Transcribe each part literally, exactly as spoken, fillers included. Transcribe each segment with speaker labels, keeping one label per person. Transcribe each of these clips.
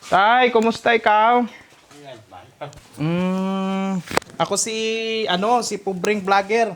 Speaker 1: Tay, kumusta ikaw? Mm, ako si, ano, si Pubring Vlogger.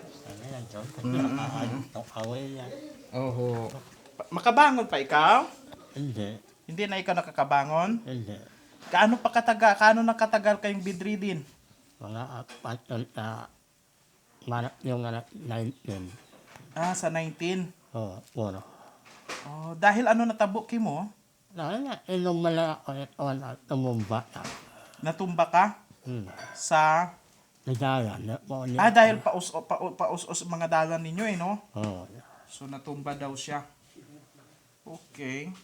Speaker 1: Oho. Pa- Makabangon pa ikaw?
Speaker 2: Hindi.
Speaker 1: Hindi na ikaw nakakabangon?
Speaker 2: Hindi.
Speaker 1: Kaano pa kataga, kaano nakatagal kayong bedridden?
Speaker 2: Mga apat na manap yung anak nineteen.
Speaker 1: Ah, sa nineteen.
Speaker 2: Oo, puro.
Speaker 1: Oh, dahil ano natabo ki mo?
Speaker 2: Dahil na, ilong malaki ko ito na tumumba na.
Speaker 1: Natumba ka
Speaker 2: Hmm.
Speaker 1: sa
Speaker 2: Nagaya na po niya.
Speaker 1: Ah, dahil paus pa, paus-us mga dalan ninyo eh, no?
Speaker 2: Oo.
Speaker 1: So natumba daw siya. Okay.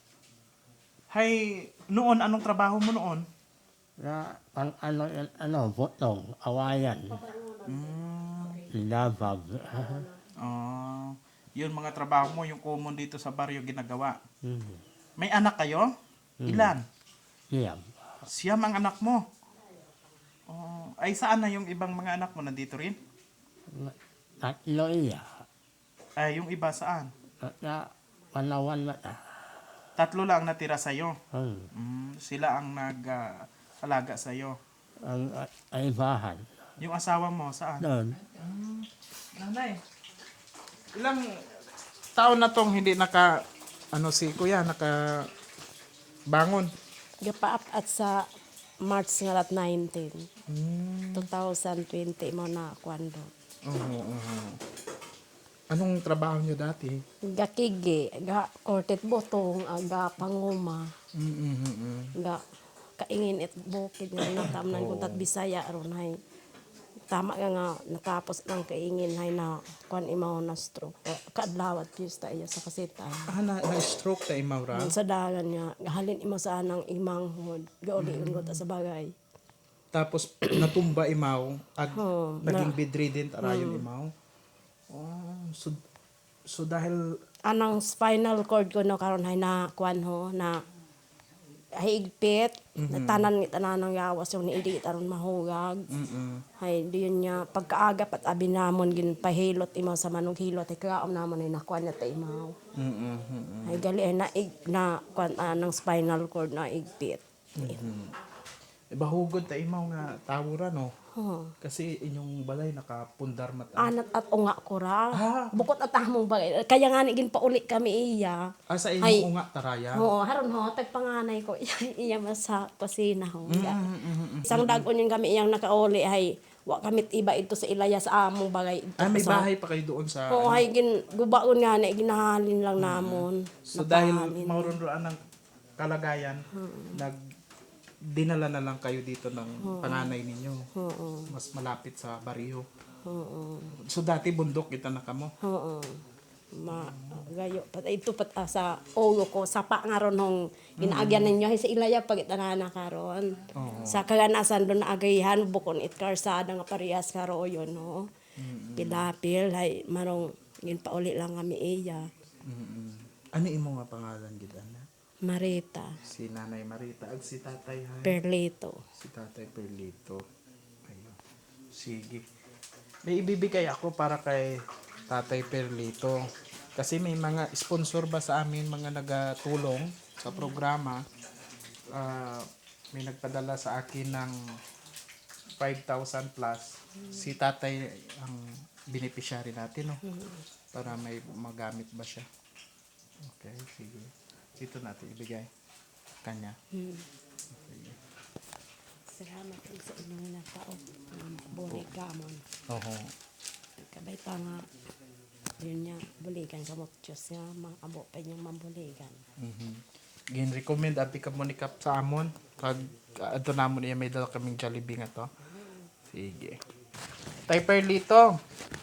Speaker 1: Hay, noon anong trabaho mo noon?
Speaker 2: Na, ang ano, yan, ano, butong, awayan,
Speaker 1: Mm.
Speaker 2: labag.
Speaker 1: Ah, yun mga trabaho mo, yung common dito sa baryo ginagawa.
Speaker 2: Hmm.
Speaker 1: May anak kayo? Ilan?
Speaker 2: Siyam.
Speaker 1: Siyam ang anak mo. Oh, ay saan na yung ibang mga anak mo? Nandito rin?
Speaker 2: Tatlo iya.
Speaker 1: Ay, yung iba saan?
Speaker 2: At na, panawan na na.
Speaker 1: Tatlo lang natira sa'yo.
Speaker 2: Hmm.
Speaker 1: Mm, sila ang nag-alaga sa'yo.
Speaker 2: Ang ay bahan.
Speaker 1: Yung asawa mo, saan?
Speaker 2: Doon.
Speaker 1: Nanay, ilang taon na tong hindi naka, ano si kuya, naka bangon?
Speaker 3: Gapaap at sa March nga lat nineteen.
Speaker 1: Hmm.
Speaker 3: twenty twenty mo na kwando.
Speaker 1: Oo, oo. Anong trabaho niyo dati?
Speaker 3: Gakigi, ga kortet botong, aga panguma,
Speaker 1: Mm-mm.
Speaker 3: ga kaingin it bukid nga natamnan kung tat Bisaya ron hay. Tama nga nga natapos ng kaingin hay na kwan imaw na stroke. Kadlawat piyesta iya sa kasita.
Speaker 1: Ah, na, na-stroke ta imawra?
Speaker 3: Sa dagan nga gahalin imo sa anang imang hod. Gauli mm. sa bagay.
Speaker 1: Tapos natumba imaw, ag,
Speaker 3: Oo,
Speaker 1: naging bedridden tarayon imaw. Oh, so, so dahil,
Speaker 3: Anang spinal cord ko no karon hay na kwan ho na higpit mm tanan tanan ng yawas yung niidi aron mahugag
Speaker 1: mm
Speaker 3: hay diyon niya pagkaagap at abi namon gin pahilot imaw sa manong hilot ay kaom namon ay nakuan na ta imaw
Speaker 1: mm
Speaker 3: hay gali ay na ig na kwan anang spinal cord na igpit
Speaker 1: bahugod ta imaw nga tawura no?
Speaker 3: huh.
Speaker 1: Kasi inyong balay nakapundar mata.
Speaker 3: Anat at unga ko ra
Speaker 1: Ah.
Speaker 3: bukod at among bagay kaya nga ni gin pauli kami iya
Speaker 1: Ah, sa
Speaker 3: Ay.
Speaker 1: inyong unga taraya?
Speaker 3: oo haron ho tagpanganay ko iya, iya mas sa kusina ho
Speaker 1: Mm, mm, mm.
Speaker 3: isang dagon yung kami iyang nakauli ay wa kamit iba ito sa ilaya sa among bagay ito
Speaker 1: Ah, may
Speaker 3: sa
Speaker 1: bahay pa kayo doon sa...
Speaker 3: oo hay gin gubaon nga na ginahalin lang namon
Speaker 1: So dahil
Speaker 3: Napahalin.
Speaker 1: maurunduan ng kalagayan, nag dinala na lang kayo dito ng panganay ninyo.
Speaker 3: oo
Speaker 1: Mas malapit sa baryo.
Speaker 3: oo
Speaker 1: So dati bundok kita na kamo.
Speaker 3: oo ma gayo pat ito pat ah, sa ulo ko sapa nga ron hong ginaagyan ninyo hay sa ilaya pag itanana karon
Speaker 1: Oo.
Speaker 3: sa kaganasan doon na agayihan bukon it karsada nga parehas karo yon no pilapil hay marong gin pauli lang kami iya
Speaker 1: Mm-mm. Ano imo nga pangalan gid ana?
Speaker 3: Marita
Speaker 1: Si Nanay Marita ag si Tatay hay.
Speaker 3: Perlito.
Speaker 1: Si Tatay Perlito. Ayun. Sige. May ibibigay ako para kay Tatay Perlito. Kasi may mga sponsor ba sa amin, mga nagatulong sa programa. Ah, may nagpadala sa akin ng five thousand plus. Si Tatay ang beneficiary natin, no? Para may magamit ba siya. Okay, sige. Dito natin ibigay. Kanya. Sige.
Speaker 3: Salamat po sa inyong natao. Buli gamon.
Speaker 1: Oho.
Speaker 3: Kabay pa nga. Yun niya, buligan sa mokchos nga. Mga abo pa niyang mambuligan.
Speaker 1: Mhm. Gin-recommend api ka mo ni Kap sa amon. Pag ato namon iya may dala kaming Jollibee nga to. Sige. Tay Perlito.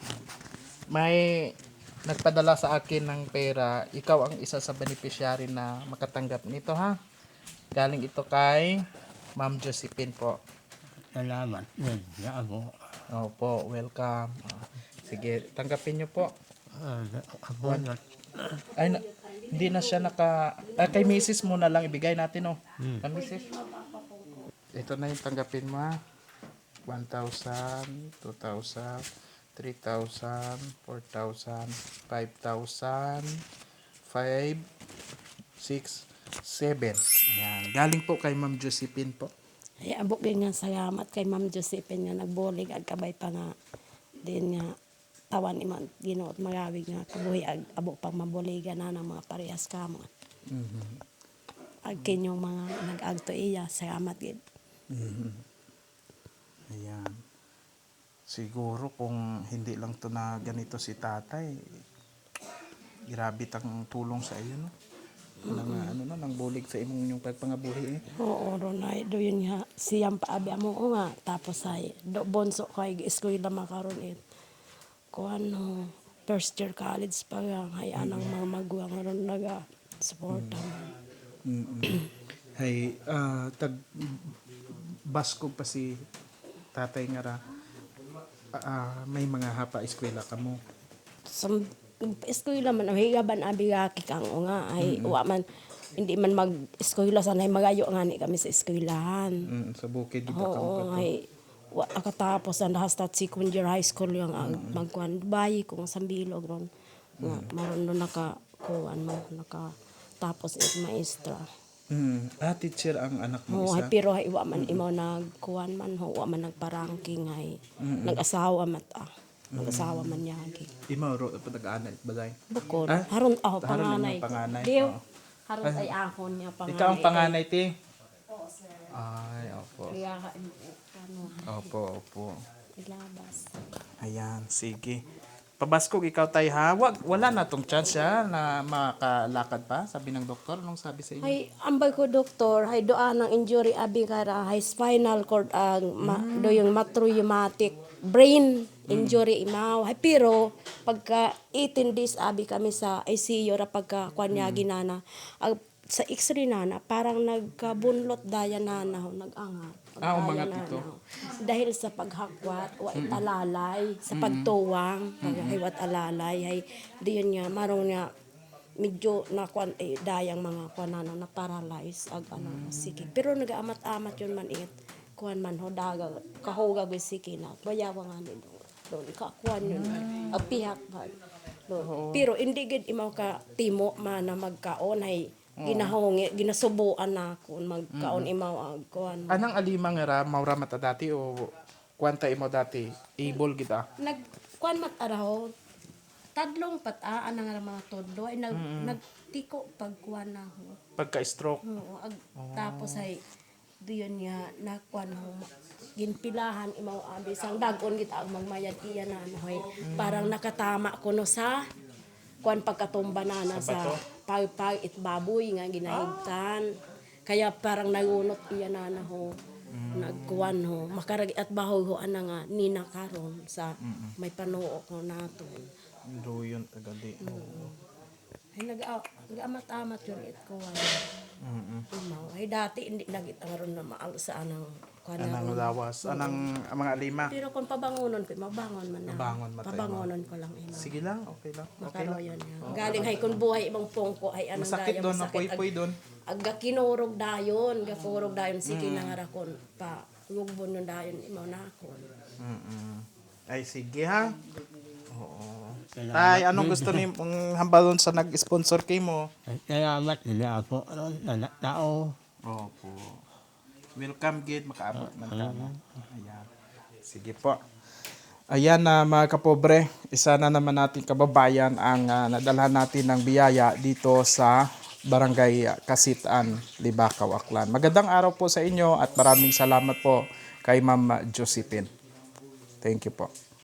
Speaker 1: May nagpadala sa akin ng pera. Ikaw ang isa sa beneficiary na makatanggap nito ha. Galing ito kay Ma'am Josephine po.
Speaker 2: Salamat. Yan, yan ako.
Speaker 1: Opo, welcome. Ah, sige, tanggapin niyo po.
Speaker 2: Ah, ako na.
Speaker 1: Ay, na, hindi na siya naka... Ah, kay Missus mo na lang ibigay natin, oh.
Speaker 2: Hmm.
Speaker 1: Kay Missus Ito na yung tanggapin mo, ha. one thousand, two thousand, three thousand, four thousand, five thousand, five, six, seven. Ayan. Galing po kay Ma'am Josephine po.
Speaker 3: Ay abok din nga salamat kay Ma'am Josephine nga nagbulig ag kabay pa nga din nga tawan iman Ginoo magawig nga kabuhi ag abok pang mabuligan na ng mga parehas kamo. Ag kinyong mga nag-agto iya salamat gid.
Speaker 1: Ayan. Siguro kung hindi lang to na ganito si tatay, grabe tang tulong sa iyo, no? Nang ano na, nang bulig sa imong yung pagpangabuhi eh.
Speaker 3: Oo, Ronay, do yun nga, siyang paabi mo nga, tapos ay, do bonso ko ay eskwela makaroon it. Kung ano, first year college pa nga, ay anang mga maguwang ron naga, supporta mo.
Speaker 1: Hay, ah, tag baskog pa si tatay nga ra. Ah, may mga hapa eskwela ka mo.
Speaker 3: Sa eskwela man, ay gaban abi gaki kang o nga, ay wa man, hindi man mag-eskwela, sanay magayo nga ni kami sa eskwelahan.
Speaker 1: Mm, sa bukid di ba ka mo
Speaker 3: Oo, ay, wa akatapos ang hasta second year high school yung ang magkuhan bayi kung sa bilog ron nga maron no nakakuan mo nakatapos it maestra.
Speaker 1: Mm, ah, teacher ang anak mo
Speaker 3: Oo,
Speaker 1: isa.
Speaker 3: ay, pero ay wa man imo nagkuan man ho wa man nagparangking ay nag-asawa mat ah. Nag-asawa man yagi.
Speaker 1: Imo ro pag-aanay bagay.
Speaker 3: Bukod
Speaker 1: Ah?
Speaker 3: haron ako
Speaker 1: Haron
Speaker 3: panganay.
Speaker 1: yung panganay,
Speaker 3: Diyo,
Speaker 1: oo.
Speaker 3: haron ay ahon niya panganay.
Speaker 1: Ikaw ang panganay ti. Ay, opo.
Speaker 3: Kaya ano
Speaker 1: Opo, opo.
Speaker 3: ilabas.
Speaker 1: Ayan, sige. Pabaskog ikaw tay ha. Wag, wala na tong chance ha na makalakad pa, sabi ng doktor. Anong sabi sa inyo?
Speaker 3: Hay ambay ko doktor, hay doa ng injury abi kara hay spinal cord ang ma, do yung matraumatic brain injury imaw. Hay pero pagka eighteen days abi kami sa I C U ra pagka kwanya ginana. Ag, sa x-ray nana parang nagkabunlot daya nana ho nag-angat.
Speaker 1: Ah,
Speaker 3: Pagdaya
Speaker 1: umangat
Speaker 3: nana,
Speaker 1: ito.
Speaker 3: ho. Dahil sa paghakwat, wa alalay, sa pagtuwang, pag hiwat alalay, hay diyon nga marong nga medyo na kwan eh, dayang mga kwanano na paralyze ag ano sige pero nagaamat-amat yun man it kuan man ho daga kahoga gyud sige na bayawa nga ni doon ka kuan yun ag pihak ba doon pero hindi gid imaw ka timo man na magkaon hay ginahongi ginasubuan na kun magkaon imaw ag kuan
Speaker 1: Anang alimang era maura mata dati o kwanta imo dati able kita.
Speaker 3: nag kuan mat araw tadlong pataan nga mga todlo ay nag nagtiko pagkuan na ho.
Speaker 1: Pagka-stroke.
Speaker 3: Oo, ag, tapos ay diyon nga nakuan ho ginpilahan imaw abi sang dagon gid ang magmayad iya na ano hoy parang nakatama ko no sa kuan pagkatumba na na sa pagpag it baboy nga ginahigtan kaya parang nagunot iya na na ho nagkuan ho makarag at bahoy ho ana nga nina karon sa may panuo ko nato.
Speaker 1: Doyon tagali.
Speaker 3: Ay nag nag-amat-amat yun it ko ano. Imaw. Ay dati hindi nagit aron na maal sa anang kuan
Speaker 1: Anang lawas, anang ang mga lima.
Speaker 3: pero kung pabangonon ko mabangon man na.
Speaker 1: Mabangon matay mo.
Speaker 3: Pabangonon ko lang imaw.
Speaker 1: Sige lang, okay lang. Okay
Speaker 3: Makaro
Speaker 1: lang.
Speaker 3: yun yan. Galing hay kun buhay ibang pongko ay anang
Speaker 1: Masakit
Speaker 3: daya
Speaker 1: doon,
Speaker 3: masakit.
Speaker 1: napoy-poy doon.
Speaker 3: Ag ag kinurog dayon, gafurog dayon sige na nga ra kon pa lugbon nun dayon imaw na kon.
Speaker 1: Mm. Ay sige ha. Oo. Tay, anong gusto ni mong hambalon sa nag-sponsor kay mo?
Speaker 2: Salamat nila ako. Ano, na tao.
Speaker 1: Opo. Welcome gid makaabot man ka na. Ayan. Sige po. Ayan na mga kapobre, isa na naman nating kababayan ang uh, nadalhan natin ng biyaya dito sa Barangay Kasitan, Libakaw, Aklan. Magandang araw po sa inyo at maraming salamat po kay Ma'am Josephine. Thank you po.